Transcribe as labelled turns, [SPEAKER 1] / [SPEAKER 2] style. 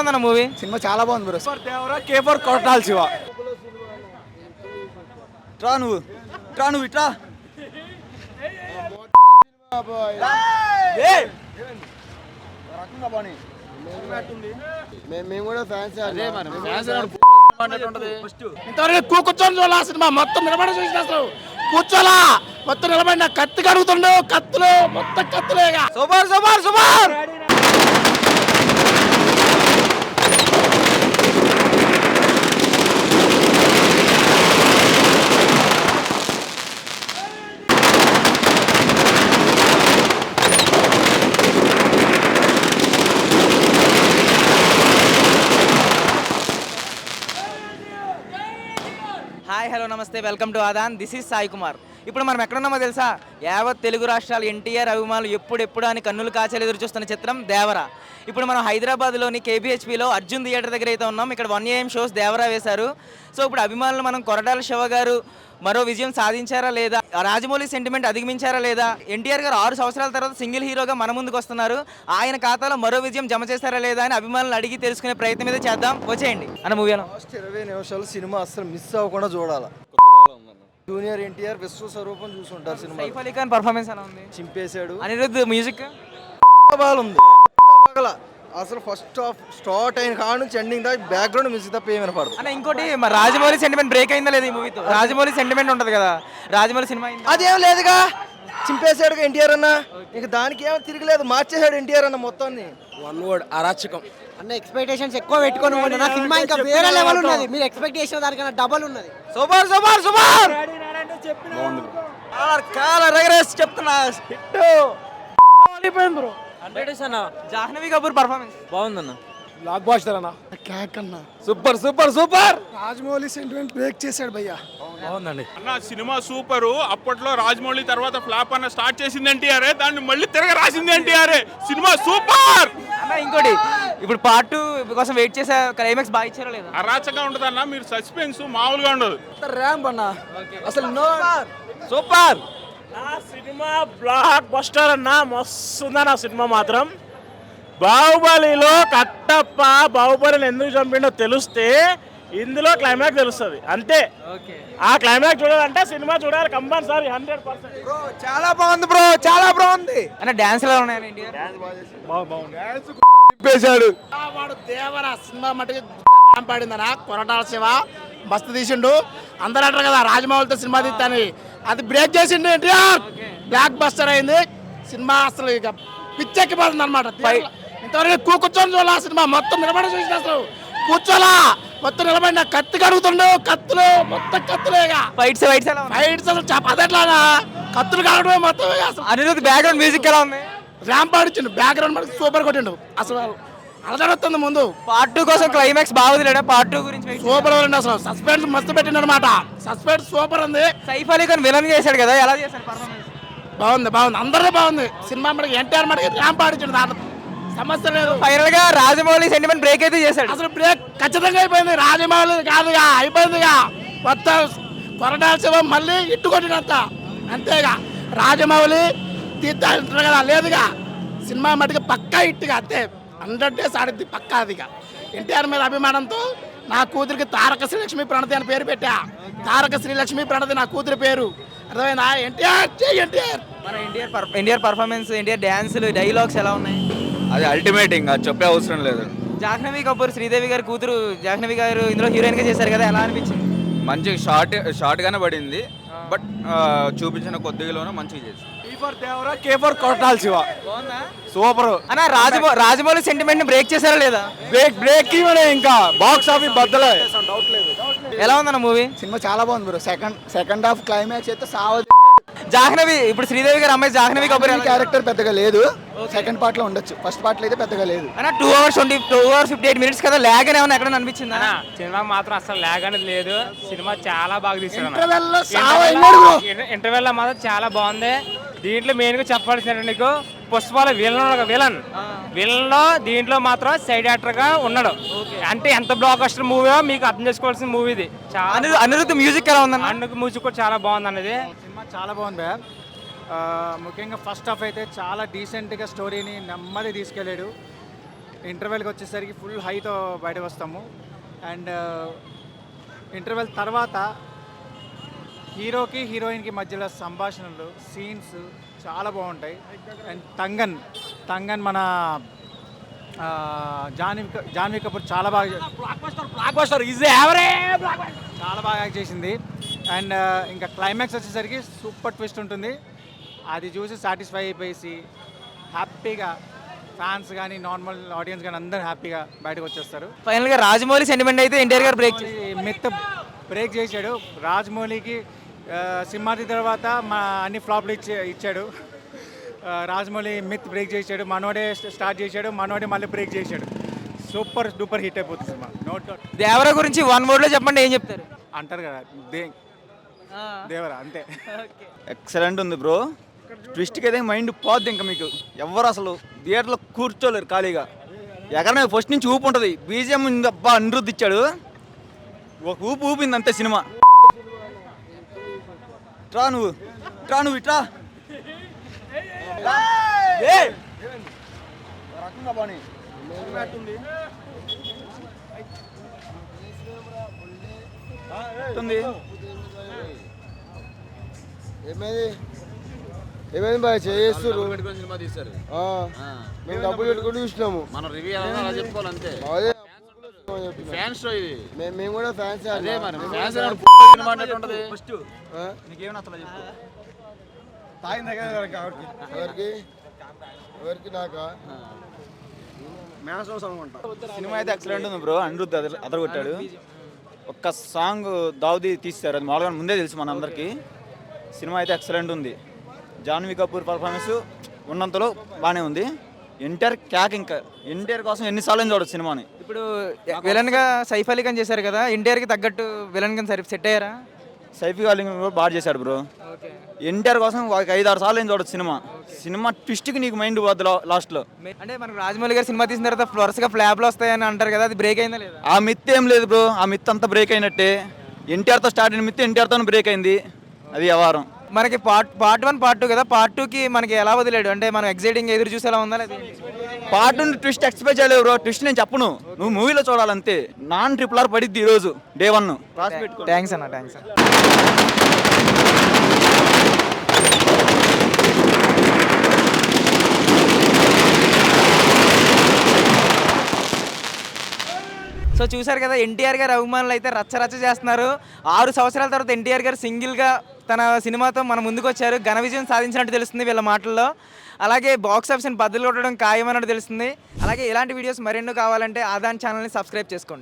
[SPEAKER 1] ఉందన్న movie?
[SPEAKER 2] Cinema చాలా బాగుంది బ్రో.
[SPEAKER 3] ఫర్ దేవరా కే ఫర్ కొట్టాలి శివ.
[SPEAKER 2] ట్రా నువ్వు ఇట్రా. మేము కూడా ఫ్యాన్స్.
[SPEAKER 3] ఇంతవరకు కూర్చొని చూడాలి సినిమా మొత్తం నిలబడి చూసిన అసలు కూర్చోలా మొత్తం నిలబడిన కత్తి కడుగుతుండు కత్తులు మొత్తం కత్తులేగా.
[SPEAKER 2] Super super super.
[SPEAKER 1] Hi hello నమస్తే, welcome to Aadan. This is Sai Kumar. ఇప్పుడు మనం ఎక్కడున్నామో తెలుసా? యావత్ తెలుగు రాష్ట్రాలు ఎన్టీఆర్ అభిమానులు ఎప్పుడెప్పుడు అని కన్నులు కాచేలు ఎదురు చూస్తున్న చిత్రం దేవరా. ఇప్పుడు మనం హైదరాబాద్లోని కేబిహెచ్పిలో అర్జున్ థియేటర్ దగ్గర అయితే ఉన్నాం. ఇక్కడ 1 AM షోస్ దేవరా వేశారు. సో ఇప్పుడు అభిమానులు మనం కొరటాల శివ గారు మరో విజయం సాధించారా లేదా, రాజమౌళి సెంటిమెంట్ అధిగమించారా లేదా, ఎన్టీఆర్ గారు 6 సంవత్సరాల తర్వాత సింగిల్ హీరోగా మన ముందుకు వస్తున్నారు, ఆయన ఖాతాలో మరో విజయం జమ చేస్తారా లేదా అని అభిమానులు అడిగి తెలుసుకునే ప్రయత్నం అయితే చేద్దాం. వచ్చేయండి అన్న మూవీ.
[SPEAKER 2] ఫస్ట్ 20 నిమిషాలు సినిమా అసలు మిస్ అవ్వకుండా చూడాలి. జూనియర్ ఎన్టీఆర్ విశ్వస్వరూపం చూసుంటారు సినిమా.
[SPEAKER 1] సైఫ్ అలీ ఖాన్ పర్ఫార్మెన్స్ ఎలా ఉంది?
[SPEAKER 2] చింపేశాడు.
[SPEAKER 1] అనిరుద్ధ్ మ్యూజిక్
[SPEAKER 2] ఉంది అసలు. ఫస్ట్ హాఫ్ స్టార్ట్ అయిన కాడ నుంచి ఎండింగ్ దాకా బ్యాక్గ్రౌండ్ మ్యూజిక్ తప్ప ఏమైనా పడదు.
[SPEAKER 1] అన్న ఇంకోటి, మరి రాజమౌళి సెంటిమెంట్ బ్రేక్ అయిందా లేదా ఈ మూవీతో? రాజమౌళి సెంటిమెంట్ ఉంటుంది కదా, రాజమౌళి సినిమా
[SPEAKER 2] అదేం లేదుగా, చింపేశాడు ఎన్టీఆర్ అన్న. ఇక దానికి ఏమో తిరగలేదు, మార్చేశాడు ఎన్టీఆర్ అన్న మొత్తాన్ని.
[SPEAKER 3] వన్ వర్డ్ అరాచకం
[SPEAKER 4] అన్న. ఎక్స్పెక్టేషన్స్ ఎక్కువ పెట్టుకొని ఉన్న సినిమా ఇంకా వేరే లెవెల్ ఉన్నది. మీరు ఎక్స్పెక్ట్ చేసిన దానికన్నా డబల్ ఉన్నది.
[SPEAKER 2] Super super super. కాలర్ ఎగరేసి చెప్తున్నా
[SPEAKER 4] బ్రో.
[SPEAKER 1] జాహ్నవి కపూర్ పర్ఫార్మెన్స్
[SPEAKER 4] బాగుందన్న.
[SPEAKER 3] బ్లాక్ బాస్టర్ అన్న.
[SPEAKER 2] క్యాక్ అన్న.
[SPEAKER 3] Super super super.
[SPEAKER 2] Rajamouli sentiment break చేశాడు భయ్యా.
[SPEAKER 3] బాగుందండి
[SPEAKER 5] అన్న. Cinema super. అప్పట్లో రాజమౌళి తర్వాత ఫ్లాప్ అన్న స్టార్ట్ చేసింది ఎన్టీఆర్, దాన్ని మళ్ళీ తిరగ రాసింది ఎన్టీఆర్. సినిమా సూపర్
[SPEAKER 1] అన్న. ఇంకోటి, ఇప్పుడు పార్ట్ 2 కోసం వెయిట్ చేసే క్లైమాక్స్ బాగా ఇచ్చారో లేదా?
[SPEAKER 5] అరాచగా ఉంటుంది అన్న. మీరు సస్పెన్స్ మామూలుగా ఉండదు.
[SPEAKER 2] ర్యాంప్ అన్న అసలు no.
[SPEAKER 3] Super.
[SPEAKER 6] Cinema blockbuster అన్న. మస్తు ఉందన్న సినిమా మాత్రం. బాహుబలిలో కట్టప్ప బాహుబలిని ఎందుకు చంపిండో తెలిస్తే ఇందులో క్లైమాక్స్ తెలుస్తుంది అంతే. ఆ క్లైమాక్స్ చూడాలంటే సినిమా చూడాలి కంపల్సరీ 100%.
[SPEAKER 2] బ్రో చాలా బాగుంది బ్రో, చాలా బాగుంది
[SPEAKER 1] అన్న. డాన్స్ ఎలా ఉన్నాయని ఇండియా?
[SPEAKER 3] చింపేశాడు.
[SPEAKER 6] వాడు దేవరా సినిమా మటుకు పాడిందనా. కొరటాల శివ మస్తు తీసిండు. అందరూ అంటారు కదా రాజమౌళితో సినిమా తీస్తాని, అది బ్రేక్ చేసిండు ఎన్టీఆర్. బ్లాక్ బస్టర్ అయింది సినిమా. అసలు ఇక పిచ్చెక్కిపోతుంది అనమాట. ఇంతవరకు కూర్చొని చూడాలి సినిమా మొత్తం నిలబడి చూసిన అసలు కూర్చోలా మొత్తం నిలబడిన కత్తి కడుగుతుండు కత్తులు మొత్తం కత్తులేగా.
[SPEAKER 1] ఫైట్స్ ఎలా ఉన్నాయి?
[SPEAKER 6] ఫైట్స్ అసలు అదెట్లాగా కత్తులు కావడమే మొత్తం. అసలు
[SPEAKER 1] అనిరుద్ధ్ బ్యాక్గ్రౌండ్ మ్యూజిక్ ఎలా ఉంది?
[SPEAKER 6] ర్యాంప్ ఆడిచ్చిండు. బ్యాక్గ్రౌండ్ మనకి సూపర్ కొట్టిండు. అసలు అలజడుతుంది ముందు.
[SPEAKER 1] పార్ట్ 2 కోసం క్లైమాక్స్ బాగుంది. పార్ట్ 2 గురించి
[SPEAKER 6] సూపర్ ఉంది. అసలు సస్పెన్స్ మస్తు పెట్టిండు అనమాట. సస్పెన్స్ సూపర్ ఉంది.
[SPEAKER 1] సైఫ్ అలీ ఖాన్ విలన్ చేశాడు కదా, ఎలా చేశాడు పర్ఫార్మెన్స్?
[SPEAKER 6] బాగుంది బాగుంది. అందరిది బాగుంది. సినిమా మనకి ఎన్టీఆర్ మనకి ర్యాంప్ ఆడిచ్చిండు. దాంట్లో సమస్య లేదు.
[SPEAKER 1] ఫైనల్ గా రాజమౌళి సెంటిమెంట్ బ్రేక్ అయితే చేశాడు.
[SPEAKER 6] అసలు బ్రేక్ ఖచ్చితంగా అయిపోయింది. రాజమౌళి కాదుగా అయిపోయిందిగా. మొత్తం కొరటాల శివ మళ్ళీ ఇట్టు కొట్టినంత అంతేగా. రాజమౌళి తీర్థంటారు కదా, లేదుగా. సినిమా మటుకు పక్కా ఇట్టుగా అంతే. 100 days ఆడిద్ది పక్కా. అదిగా ఎన్టీఆర్ మీద అభిమానంతో నా కూతురికి తారక శ్రీలక్ష్మి ప్రణతి అని పేరు పెట్టా. తారక శ్రీలక్ష్మి ప్రణతి నా కూతురి పేరు. అర్థమైనా? ఎన్టీఆర్ ఎన్టీఆర్.
[SPEAKER 1] మన ఎన్టీఆర్ పర్ఫార్మెన్స్, ఎన్టీఆర్ డ్యాన్సులు, డైలాగ్స్ ఎలా ఉన్నాయి?
[SPEAKER 2] అది అల్టిమేట్, ఇంకా చెప్పే అవసరం లేదు.
[SPEAKER 1] జాహ్నవి కపూర్ శ్రీదేవి గారి కూతురు జాహ్నవి గారు ఇందులో హీరోయిన్ గా చేశారు కదా, ఎలా అనిపించింది?
[SPEAKER 7] మంచి షార్ట్ గానే పడింది, బట్ చూపించిన కొద్దిగాలోనే మంచిగా చేసి.
[SPEAKER 3] ఫర్ దేవరా కే ఫర్ కొట్టాలి శివ. సూపర్
[SPEAKER 1] అన్న. రాజమౌళి సెంటిమెంట్ ని బ్రేక్ చేశారా లేదా?
[SPEAKER 3] బ్రేక్ ఇవ్వడే. ఇంకా బాక్స్ ఆఫీస్ బద్దలే.
[SPEAKER 1] ఎలా ఉందన్న మూవీ?
[SPEAKER 2] సినిమా చాలా బాగుంది బ్రో. సెకండ్ హాఫ్ క్లైమాక్స్ అయితే
[SPEAKER 1] జాహ్నవి, ఇప్పుడు శ్రీదేవి గారు అమ్మాయి జాహ్నవి కపూర్
[SPEAKER 2] క్యారెక్టర్ పెద్దగా లేదు. సెకండ్ పార్ట్ లో ఉండొచ్చు, ఫస్ట్ పార్ట్ లో అయితే పెద్దగా లేదు.
[SPEAKER 1] అన్న 2 hours 58 minutes కదా, లాగ్ అని ఏమన్నా ఎక్కడ అనిపించిందా?
[SPEAKER 8] సినిమా మాత్రం అసలు లాగ్ అనేది లేదు. సినిమా చాలా బాగా తీసాడు. ఇంటర్వెల్ లో మాత్రం చాలా బాగుంది. దీంట్లో మెయిన్ గా చెప్పాల్సిన నీకు పుష్పాల విలన్ లో దీంట్లో మాత్రం సైడ్ యాక్టర్ గా ఉన్నాడు. అంటే ఎంత బ్లాక్ బస్టర్ మూవీ మీకు అర్థం చేసుకోవాల్సిన మూవీ ఇది.
[SPEAKER 1] అనిరుద్ధ్ మ్యూజిక్ ఎలా ఉందన్న?
[SPEAKER 8] అన్నుకు మ్యూజిక్ కూడా చాలా బాగుంది అన్నది.
[SPEAKER 4] సినిమా చాలా బాగుంది భయ్యా. ముఖ్యంగా ఫస్ట్ హాఫ్ అయితే చాలా డీసెంట్గా స్టోరీని నెమ్మది తీసుకెళ్ళాడు.
[SPEAKER 9] ఇంటర్వెల్కి వచ్చేసరికి ఫుల్ హైతో బయటకు వస్తాము. అండ్ ఇంటర్వెల్ తర్వాత హీరోకి హీరోయిన్కి మధ్యలో సంభాషణలు, సీన్స్ చాలా బాగుంటాయి. అండ్ తంగన్ మన జాన్వీ కపూర్ చాలా బాగా చాలా బాగా యాక్ట్ చేసింది. అండ్ ఇంకా క్లైమాక్స్ వచ్చేసరికి సూపర్ ట్విస్ట్ ఉంటుంది. అది చూసి సాటిస్ఫై అయిపోయేసి హ్యాపీగా ఫ్యాన్స్ కానీ నార్మల్ ఆడియన్స్ కానీ అందరూ హ్యాపీగా బయటకు వచ్చేస్తారు.
[SPEAKER 1] ఫైనల్గా రాజమౌళి సెంటిమెంట్ అయితే ఎన్టీఆర్ గారు బ్రేక్
[SPEAKER 9] మిత్ బ్రేక్ చేశాడు. రాజమౌళికి సింహాద్రి తర్వాత అన్ని ఫ్లాప్లు ఇచ్చాడు. రాజమౌళి మిత్ బ్రేక్ చేశాడు. మనోడే స్టార్ట్ చేశాడు, మనోడే మళ్ళీ బ్రేక్ చేశాడు. సూపర్ డూపర్ హిట్ అయిపోతుంది సినిమా, నో డౌట్.
[SPEAKER 1] దేవరా గురించి 1 word లో చెప్పండి, ఏం చెప్తారు?
[SPEAKER 9] అంటారు కదా దేవరా, అంతే.
[SPEAKER 7] ఎక్సలెంట్ ఉంది బ్రో. ట్విస్ట్కి అయితే మైండ్ పోద్ది. ఇంకా మీకు ఎవరు అసలు థియేటర్లో కూర్చోలేరు ఖాళీగా. ఎక్కడనే ఫస్ట్ నుంచి ఊపు ఉంటుంది. బీజిఎం అబ్బా అనిరుద్ధ్ ఇచ్చాడు, ఒక ఊపు ఊపింది అంతే సినిమా. ట్రా నువ్వు ఇట్రా రకంగా బాని
[SPEAKER 2] ఏమైంది బాయ్ చేస్తారు సినిమా తీస్తారు. మేము డబ్బులు పెట్టుకుంటూ చూసినాము.
[SPEAKER 3] మన రివ్యూ అలా చెప్పుకోవాలి అంతే. ఫ్యాన్స్ షో ఇది.
[SPEAKER 2] మేము కూడా ఫ్యాన్స్.
[SPEAKER 3] అదే మరి ఫ్యాన్స్ సినిమా అన్నట్టు ఉంటుంది.
[SPEAKER 7] ఫస్ట్ నీకేమైనా అసలు చెప్పు.
[SPEAKER 2] ఎవరికి నాకా
[SPEAKER 7] సినిమా అయితే ఎక్సలెంట్ ఉంది బ్రో. అనిరుద్ధ్ అదరగొట్టాడు. ఒక్క సాంగ్ దావుది తీస్తారు, అది మామూలుగా ముందే తెలుసు మన అందరికీ. సినిమా అయితే ఎక్సలెంట్ ఉంది. జాన్వీ కపూర్ పర్ఫార్మెన్స్ ఉన్నంతలో బాగానే ఉంది. ఎన్టీఆర్ క్యాక్, ఇంకా ఎన్టీఆర్ కోసం ఎన్నిసార్లు చూడొచ్చు సినిమాని.
[SPEAKER 1] ఇప్పుడు విలన్ గా సైఫ్ అలీ ఖాన్ చేశారు కదా, ఎన్టీఆర్ కి తగ్గట్టు విలన్ గా సెట్ అయ్యారా?
[SPEAKER 7] సైఫీ అలీ కూడా బాగా చేశాడు బ్రో. ఎన్టీఆర్ కోసం ఒక 5-6 సార్లు ఏం చూడొచ్చు సినిమా ట్విస్ట్కి నీకు మైండ్ పోద్ది లాస్ట్లో.
[SPEAKER 1] అంటే మనకు రాజమౌళి గారు సినిమా తీసిన తర్వాత వరుసగా ఫ్లాప్లు వస్తాయని అంటారు కదా, అది బ్రేక్ అయిందా లేదా?
[SPEAKER 7] ఆ మిత్ ఏం లేదు బ్రో. ఆ మిత్ అంతా బ్రేక్ అయినట్టే. ఎన్టీఆర్తో స్టార్ట్ అయిన మిత్ ఎన్టీఆర్తో బ్రేక్ అయింది. అది వ్యవహారం.
[SPEAKER 1] మనకి పార్ట్ 1 పార్ట్ 2 కదా, పార్ట్ 2కి మనకి ఎలా వదిలేడు? అంటే మనం ఎగ్జైటింగ్ ఎదురు చూసేలా ఉందా లేదా?
[SPEAKER 7] పార్ట్ ట్విస్ట్ ఎక్స్పెక్ట్ చేయలేవు బ్రో. ట్విస్ట్ నేను చెప్పను, నువ్వు మూవీలో చూడాలంతే. నాన్ RRR పడిద్ది ఈరోజు డే 1.
[SPEAKER 1] థ్యాంక్స్ అన్న, థ్యాంక్స్ అన్న. సో చూసారు కదా, ఎన్టీఆర్ గారు అభిమానులు అయితే రచ్చ చేస్తున్నారు. 6 సంవత్సరాల తర్వాత ఎన్టీఆర్ గారు సింగిల్గా తన సినిమాతో మన ముందుకు వచ్చారు. ఘన విజయం సాధించినట్టు తెలుస్తుంది వీళ్ళ మాటల్లో. అలాగే బాక్స్ ఆఫీస్ని బద్దలు కొట్టడం ఖాయమన్నట్టు తెలుస్తుంది. అలాగే ఇలాంటి వీడియోస్ మరెన్నో కావాలంటే ఆదాన్ ఛానల్ని సబ్స్క్రైబ్ చేసుకోండి.